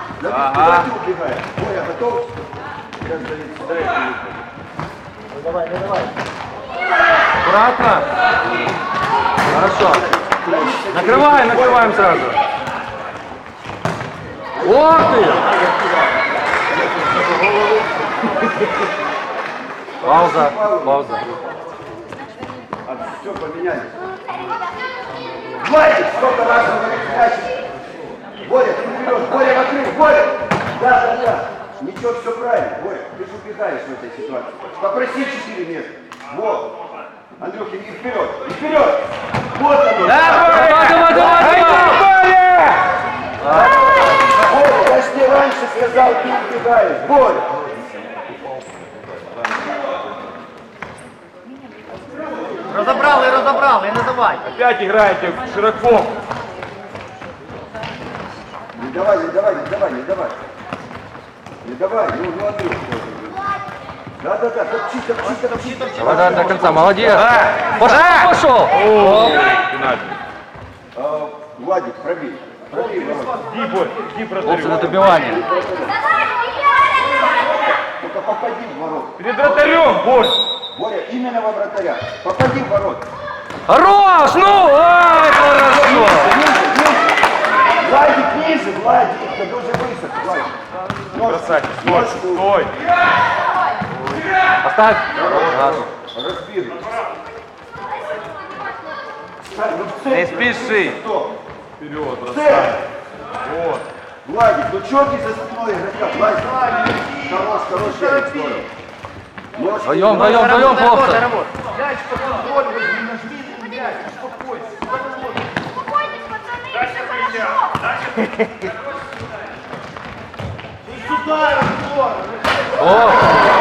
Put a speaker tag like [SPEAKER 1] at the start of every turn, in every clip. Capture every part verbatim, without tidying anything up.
[SPEAKER 1] Ага. Убегай. Боря, готов? Сейчас Давид сюда и
[SPEAKER 2] Ну давай, ну давай.
[SPEAKER 3] Аккуратно. Хорошо. Накрываем, накрываем сразу. Ох ты! Пауза, пауза.
[SPEAKER 1] А, все, поменялись. Хватит! Сколько раз он говорит, значит. Боря, ты вперед! Боря, вокруг! Боря! Да, да, да. Ничего, все правильно. Боря, ты же убегаешь в этой ситуации. Попроси четыре места. Вот. Андрюхин, и вперед! И вперед! Вот оно!
[SPEAKER 3] Да, Боря! Давай, давай, давай!
[SPEAKER 1] Боря, я ж тебе раньше сказал, ты убегаешь. Боря!
[SPEAKER 2] Разобрал и разобрал, и не давай.
[SPEAKER 3] Опять играете широко.
[SPEAKER 1] Не давай, не давай, не давай, не давай. Не давай, ну, ну, Андрюх. Да, да, да, топчи, топчи, топчи, топчи.
[SPEAKER 3] Давай, давай, до конца, молодец. Пошел, пошел.
[SPEAKER 1] А, Владик, пробей. Пробей, Володя.
[SPEAKER 3] Иди, Борь, иди протарю. На добивание.
[SPEAKER 1] Только попади в ворот.
[SPEAKER 3] Перед вратарем, Борь.
[SPEAKER 1] Боря, именно во вратаря. Попади в ворот.
[SPEAKER 3] Хорош, ну, ой, хорошо.
[SPEAKER 1] Владик, ниже, Владик, ты дуже высоко, Владик.
[SPEAKER 3] Бросайте, стой, стой. Оставь.
[SPEAKER 1] Разбил.
[SPEAKER 3] Не спеши.
[SPEAKER 1] Кто?
[SPEAKER 3] Вперед,
[SPEAKER 1] Цель.
[SPEAKER 3] бросай. Вот.
[SPEAKER 1] Владик, ну чё ты за спиной игрока? Владик, хорош, хорош, Ярик, здорово. Ножки,
[SPEAKER 3] Вдвоем,
[SPEAKER 1] ножки.
[SPEAKER 3] вдвоем, вдвоем, хлопцы.
[SPEAKER 2] Мяч под контроль, возьми, нажми на мяч, успокойся.
[SPEAKER 4] Успокойтесь, пацаны, все хорошо.
[SPEAKER 2] Сюда, Артур.
[SPEAKER 3] О,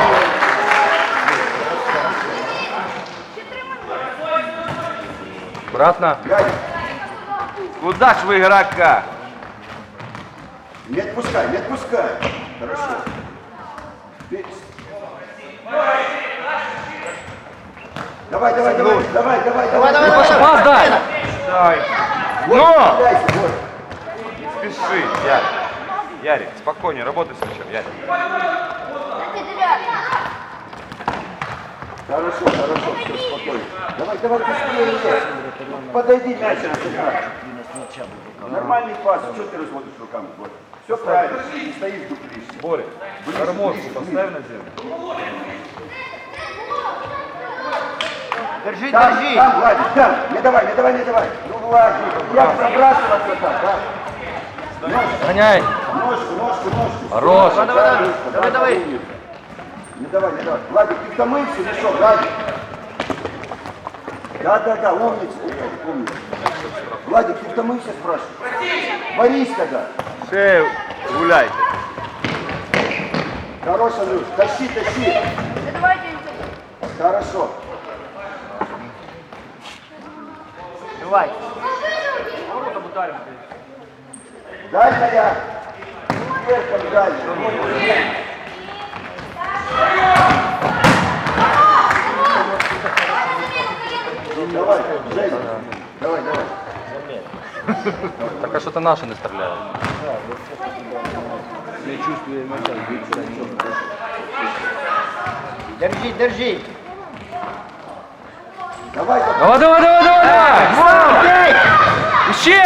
[SPEAKER 3] обратно.
[SPEAKER 1] Ярик,
[SPEAKER 3] Куда ж вы игрока?
[SPEAKER 1] не отпускай, не отпускай. Хорошо. Ты- Давай, давай, давай, давай, давай, давай,
[SPEAKER 2] давай,
[SPEAKER 3] Пас, пас дай.
[SPEAKER 5] Дай.
[SPEAKER 1] Вот,
[SPEAKER 3] Но!
[SPEAKER 1] кидайся, вот.
[SPEAKER 5] Спеши, Ярик. Ярик, спокойнее, работай с мячом, Ярик.
[SPEAKER 1] Хорошо, хорошо, все, спокойно. Давай, давай, быстрее иди. Подойди, мяч разыграй. Нормальный пас, что ты разводишь руками, Боря? Все правильно, не стоишь дуплишься.
[SPEAKER 5] Боря, гармошку поставь на землю.
[SPEAKER 2] Держи,
[SPEAKER 1] Там,
[SPEAKER 2] держи.
[SPEAKER 1] там, Владик, там, не давай, не давай, не давай. Ну, Владик, я пробрасывался там, да? Ножку,
[SPEAKER 3] Гоняй.
[SPEAKER 1] ножку, ножку, ножку.
[SPEAKER 3] Хорош.
[SPEAKER 2] Давай, давай, давай, давай, давай.
[SPEAKER 1] Не давай, не давай. Владик, ты в мылся, не шел, Владик. Да, да, да, умница, Владик, умница. Владик, ты в мылся, спрашиваю. Борись тогда.
[SPEAKER 5] Шею гуляйте.
[SPEAKER 1] Хорош, Андрюш, тащи, тащи.
[SPEAKER 4] Да давайте.
[SPEAKER 1] Хорошо.
[SPEAKER 2] Давай.
[SPEAKER 1] Дальняя. Вверхом дальше. Давай, Женя. Давай, давай.
[SPEAKER 3] Так а что-то наши не стреляют.
[SPEAKER 2] Держи, держи.
[SPEAKER 1] Давай, давай.
[SPEAKER 3] Давай, давай, давай, давай. Вау. Еще.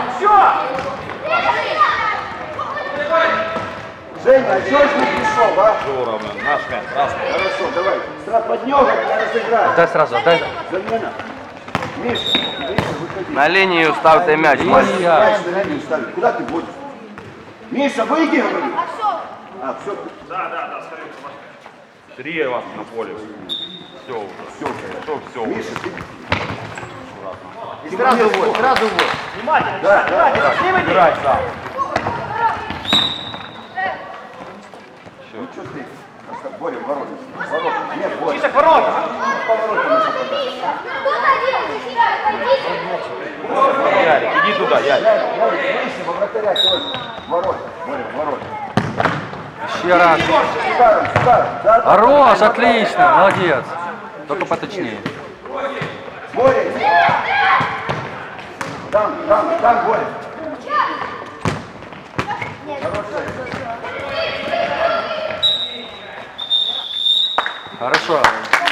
[SPEAKER 1] Женя, а чего ж не пришел, а?
[SPEAKER 5] Здорово, наш мяч, красный.
[SPEAKER 1] Хорошо, давай. Сразу под него разыграй.
[SPEAKER 3] Дай сразу, дай.
[SPEAKER 1] Замена. Миша, Миша, выходи.
[SPEAKER 3] На линию ставьте мяч.
[SPEAKER 1] Мяч
[SPEAKER 3] Линия.
[SPEAKER 1] на линию ставь. Куда ты будешь? Миша, выйди, говорю.
[SPEAKER 4] А все.
[SPEAKER 1] А, все,
[SPEAKER 5] Три вас на поле. Все уже.
[SPEAKER 1] все.
[SPEAKER 5] Что все?
[SPEAKER 1] Миша, ты...
[SPEAKER 2] И сразу вот, сразу вот. Внимательно.
[SPEAKER 1] Да, да, да.
[SPEAKER 5] Играй сам.
[SPEAKER 1] Ну что ты? Просто Боря, в ворота. В ворота. Нет, Боря.
[SPEAKER 2] Чисто к воротам.
[SPEAKER 1] По воротам не попадай.
[SPEAKER 5] Ярик, иди туда, Ярик.
[SPEAKER 1] Ярик, Ярик, выше, во вратаря тоже. В ворота. Боря, в ворота.
[SPEAKER 3] Еще раз.
[SPEAKER 1] Ударом, ударом. Да, да,
[SPEAKER 3] Хорош,
[SPEAKER 1] да,
[SPEAKER 3] отлично, молодец. Только поточнее.
[SPEAKER 1] Боря. Там, там, там, Боря. Хорошая.
[SPEAKER 3] Хорошо.